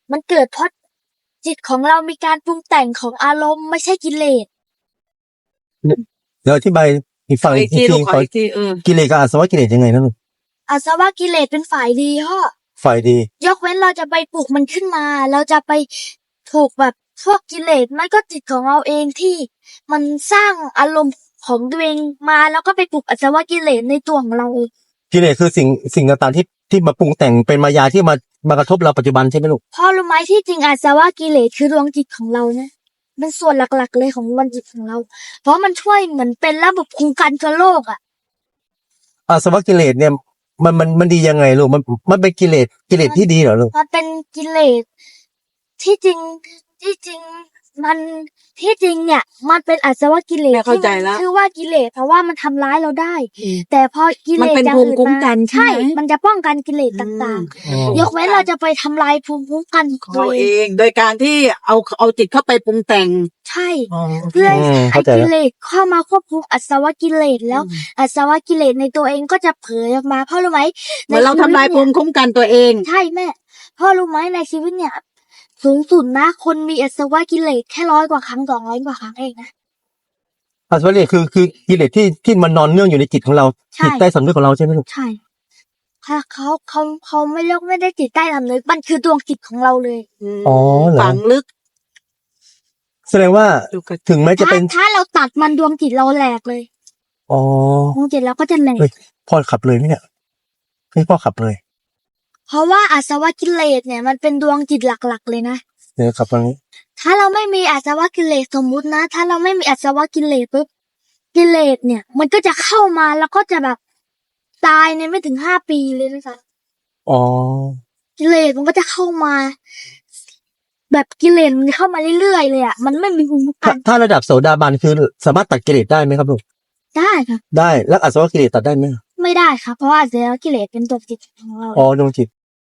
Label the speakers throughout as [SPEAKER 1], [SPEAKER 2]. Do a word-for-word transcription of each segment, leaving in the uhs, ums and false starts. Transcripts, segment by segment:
[SPEAKER 1] มันเกิดเพราะจิตของเรามีการปรุงแต่งของอารมณ์ไม่ใช่กิเลส
[SPEAKER 2] เดี๋ยวอธิบายอีกฝั่ง
[SPEAKER 3] ขอ
[SPEAKER 2] อี
[SPEAKER 3] อี
[SPEAKER 2] ก
[SPEAKER 3] กที
[SPEAKER 2] ที
[SPEAKER 3] ลูกข
[SPEAKER 2] ข
[SPEAKER 3] อ
[SPEAKER 2] อ
[SPEAKER 3] อีกทีเออ
[SPEAKER 2] กิเลสกับอาสวะกิเลสยังไงนะลูก
[SPEAKER 1] อาสวะกิเลสเป็นฝ่ายดีพ่อ
[SPEAKER 2] ฝ่ายดี
[SPEAKER 1] ยกเว้นเราจะไปปลุกมันขึ้นมา เราจะไปถูกแบบพวกกิเลสไม่ก็จิตของเราเองที่มันสร้างอารมณ์ของตัวเองมาแล้วก็ไปปลุกอาสวะกิเลสในตัวของเราเอง
[SPEAKER 2] กิเลสคือสิ่งสิ่งต่างๆที่ที่มาปรุงแต่งเป็นมายาที่มามากระทบเราปัจจุบันใช่ไหมลูก
[SPEAKER 1] พ่อรู้ไหมที่จริงอาสวะกิเลสคือดวงจิตของเรานะเป็นส่วนหลักๆเลยของดวงจิตของเรา เพราะมันช่วยเหมือนเป็นระบบคุ้มกันกับโรคอ่ะ
[SPEAKER 2] อาสวะกิเลสเนี่ยมันมันมันดียังไงลูกมันมันเป็นกิเลสกิเลสที่ดีเหรอลูก
[SPEAKER 1] มันเป็นกิเลสที่จริงที่จริงมันที่จริงเนี่ย มันเป็นอาสวะกิเลส
[SPEAKER 3] แม่เข้าใจ
[SPEAKER 1] ที่
[SPEAKER 3] แล้ว
[SPEAKER 1] มันชื่อว่ากิเลสเพราะว่ามันทำร้ายเราได้ แต่พอกิเล
[SPEAKER 3] มัน
[SPEAKER 1] ส
[SPEAKER 3] เป็น
[SPEAKER 1] อย่าง
[SPEAKER 3] ภูมิ
[SPEAKER 1] อื่น
[SPEAKER 3] คุ้มกั
[SPEAKER 1] มาน
[SPEAKER 3] ใช่
[SPEAKER 1] ใช่
[SPEAKER 3] ไหม
[SPEAKER 1] มันจะป้องกันกิเลสต่าง
[SPEAKER 2] อ๋อ
[SPEAKER 1] ๆ ยกเว้นเราจะไปทำลายภูมิคุ้มกันข
[SPEAKER 3] ข
[SPEAKER 1] อ
[SPEAKER 3] อง ง
[SPEAKER 1] ตั
[SPEAKER 3] เรา
[SPEAKER 1] วเอ
[SPEAKER 3] เอง ง โดยการที่เอาเอาจิตเข้าไปปรุงแต่ง
[SPEAKER 1] ใช่
[SPEAKER 3] อ๋อ
[SPEAKER 1] เพื่อ
[SPEAKER 2] อืม
[SPEAKER 1] ให้
[SPEAKER 2] เข้าใจ
[SPEAKER 1] กิ
[SPEAKER 2] แล้ว
[SPEAKER 1] เลสเข้ามาควบคุมอาสวะกิเลสแล้ว
[SPEAKER 3] อืม
[SPEAKER 1] อาสวะกิเลสในตัวเองก็จะเผยออกมาพ่อรู้ไหม
[SPEAKER 3] เหมือนเราทำลายภูมิคุ้มกันตัวเอง
[SPEAKER 1] ใช่แม่พ่อรู้ไหมในชีวิตเนี่ย สูงสุดนะคนมีอาสวะกิเลสแค่ร้อยกว่าครั้งสองร้อยกว่าครั้งเองนะ
[SPEAKER 2] อาสวะกิเลสคือคือกิเลสที่ที่มันนอนเนื่องอยู่ในจิตของเรา
[SPEAKER 1] ใช่
[SPEAKER 2] จิตใต้สำนึกของเราใช่ไหมลูก
[SPEAKER 1] ใช่ค่ะเขาเขาเขาไม่เลือกไม่ได้จิตใต้สำนึกมันคือดวงจิตของเราเลย
[SPEAKER 2] อ๋อเหรอ
[SPEAKER 3] ฝังลึก
[SPEAKER 2] แสดงว่า
[SPEAKER 3] อยู่กับ
[SPEAKER 2] ถึงแม้จะ
[SPEAKER 1] ถ้า
[SPEAKER 2] เป็น
[SPEAKER 1] ถ้าเราตัดมันดวงจิตเราแหลกเลย
[SPEAKER 2] อ๋อ
[SPEAKER 1] ดวงจิตเราก็จะแหลก
[SPEAKER 2] เฮ้ย พ่อขับเลยไหมเนี่ยให้พ่อขับเลย
[SPEAKER 1] เพราะว่าอาสวะกิเลสเนี่ยมันเป็นดวงจิตหลักๆเลยนะ
[SPEAKER 2] เดี๋ยวขับตรงนี้
[SPEAKER 1] ถ้าเราไม่มีอาสวะกิเลสสมมุตินะ ถ้าเราไม่มีอาสวะกิเลสปุ๊บกิเลสเนี่ย มันก็จะเข้ามาแล้วก็จะแบบตายในไม่ถึงห้าปีเลยนะคะ
[SPEAKER 2] อ๋อ
[SPEAKER 1] กิเลสมันก็จะเข้ามา แบบกิเลสมันเข้ามาเรื่อยๆเลยอ่ะมันไม่มีภูมิคุ้มกั
[SPEAKER 2] ถ้าน ถ้าระดับโสดาบันคือสามารถตัดกิเลสได้ไหมครับลูก
[SPEAKER 1] ได้ค่ะ
[SPEAKER 2] ได้แล้วอาสวะกิเลสตัดได้ไหม
[SPEAKER 1] ไม่ได้ค่ะเพราะว่าอาสวะกิเลสเป็นตัวจิตของเรา
[SPEAKER 2] อ๋อดวงจิต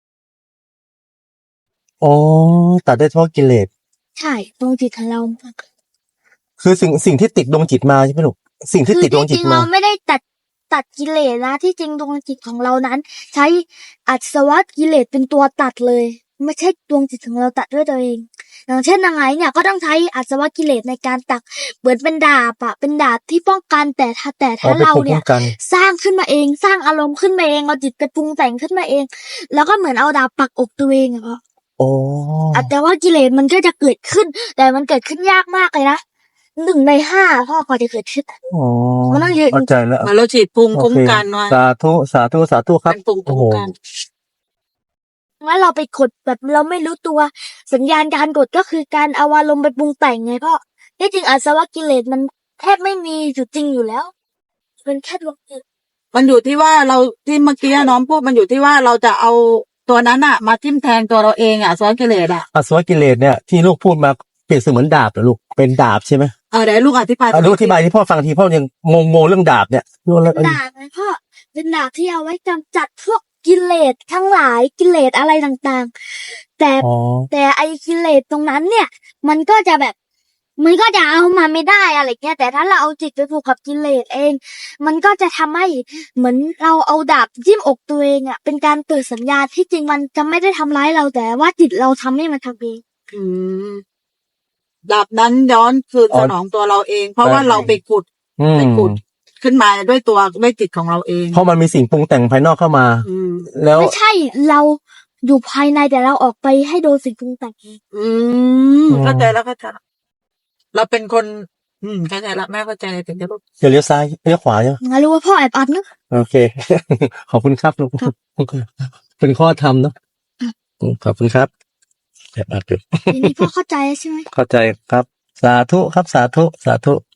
[SPEAKER 2] อ๋อตัดได้เฉพาะกิเลส
[SPEAKER 1] ใช่ดวงจิตของเรา
[SPEAKER 2] คือสิ่งสิ่งที่ติดดวงจิตมาใช่ไหมลูกสิ่งที่
[SPEAKER 1] คือ
[SPEAKER 2] ติดดวง
[SPEAKER 1] ที่
[SPEAKER 2] จิ
[SPEAKER 1] จ
[SPEAKER 2] ต
[SPEAKER 1] ริง
[SPEAKER 2] มา
[SPEAKER 1] เราไม่ได้ตัดตัดกิเลสนะที่จริงดวงจิตของเรานั้น ใช้อาสวะกิเลสเป็นตัวตัดเลย ไม่ใช่ดวงจิตของเราตัดด้วยตัวเอง อย่างเช่นนางไงเนี่ยก็ต้องใช้อาสวะกิเลสในการตักเหมือนเป็นดาบอะเป็นดาบที่ป้องกันแต่ถ้าแต่
[SPEAKER 2] อ๋อ
[SPEAKER 1] ถ้า
[SPEAKER 2] เป็น
[SPEAKER 1] เรา
[SPEAKER 2] ภูมิ
[SPEAKER 1] เนี่
[SPEAKER 2] คุ้
[SPEAKER 1] ย
[SPEAKER 2] มกัน
[SPEAKER 1] สร้างขึ้นมาเองสร้างอารมณ์ขึ้นมาเองเอาจิตไปปรุงแต่งขึ้นมาเอง แล้วก็เหมือนเอาดาบปักอกตัวเองอะพ่อ
[SPEAKER 2] โอ้
[SPEAKER 1] อ่ะแต่ว่ากิเลสมันก็จะเกิดขึ้น แต่มันเกิดขึ้นยากมากเลยนะหนึ่งในห้าพ่อกว่าจะเกิดขึ้น
[SPEAKER 2] อ๋อ
[SPEAKER 1] มันต้องยืน
[SPEAKER 2] เข้าใจแล้ว
[SPEAKER 3] เหมือนเราฉีดภูมิคุ้ม
[SPEAKER 2] โอเค
[SPEAKER 3] กันมา
[SPEAKER 2] สาธุสาธุสาธุครับ
[SPEAKER 3] เป็นภูมิ
[SPEAKER 2] โอ้
[SPEAKER 3] คุ้
[SPEAKER 2] โห
[SPEAKER 3] มกัน
[SPEAKER 1] ว่าเราไปกดแบบเราไม่รู้ตัวสัญญาณการกดก็คือการเอาอารมณ์ไปปรุงแต่งไงพ่อที่จริงอาสวะกิเลสมันแทบไม่มีอยู่จริงอยู่แล้วเป็นแค่ดวงจิต
[SPEAKER 3] มันอยู่ที่ว่าเราที่เมื่อกี้น้องพูดมันอยู่ที่ว่าเราจะเอาตัวนั้นอะมาทิ่มแทงตัวเราเองอะซ้อนกิเลสอะ
[SPEAKER 2] อาสวะกิเลสเนี่ยที่ลูกพูดมาเปรียบเสมือนดาบเหรอลูกเป็นดาบใช่ไหม
[SPEAKER 3] เออเดี๋ยวลูกอธิบาย
[SPEAKER 2] อ่ะลูกอธิบายที่พ่อฟังทีพ่อยังงงงๆเรื่องดาบเนี่ยลูกแล้ว
[SPEAKER 1] ดาบไงพ่อเป็นดาบที่เอาไว้กำจัดพวกกิเลสทั้งหลายกิเลสอะไรต่างๆ แต่
[SPEAKER 2] อ๋อ
[SPEAKER 1] แต่ไอ้กิเลสตรงนั้นเนี่ย มันก็จะแบบมันก็จะเอามาไม่ได้อะไรเงี้ยแต่ถ้าเราเอาจิตไปผูกกับกิเลสเอง มันก็จะทำให้เหมือนเราเอาดาบจิ้มอกตัวเองอ่ะเป็นการเตือนสัญญาณที่จริงมันจะไม่ได้ทำร้ายเราแต่ว่าจิตเราทำให้มันทำเอง
[SPEAKER 3] อืมดาบนั้นย้อนคืนสนองตัวเราเอง เพราะว่าเราไปขุด
[SPEAKER 2] อืม
[SPEAKER 3] ไปขุดขึ้นมาด้วยตัวด้วยจิตของเราเอง
[SPEAKER 2] เพราะมันมีสิ่งปรุงแต่งภายนอกเข้ามา
[SPEAKER 3] อืม
[SPEAKER 2] แล้ว
[SPEAKER 1] ไม่ใช่เราอยู่ภายในแต่เราออกไปให้โดนสิ่งปรุงแต่งเอง
[SPEAKER 3] อืมเข้าใจแล้วเข้าใจแล้วเราเป็นคน อืมเข้าใจละแม่เข้าใจถึงจะรู้
[SPEAKER 2] จะเลี้ยวซ้ายเลี้ยวขวาใช่ไหม
[SPEAKER 1] งั้นรู้ว่าพ่อแอบอัดเนอะ
[SPEAKER 2] โอเค ขอบคุณครับลูกเป็นข้อธรรมเนาะอืมขอบคุณครับแอบอัดอยู่
[SPEAKER 1] ทีนี้พ่อเข้าใจแล้วใช่ไหม
[SPEAKER 2] เข้าใจครับ สาธุครับสาธุสาธุ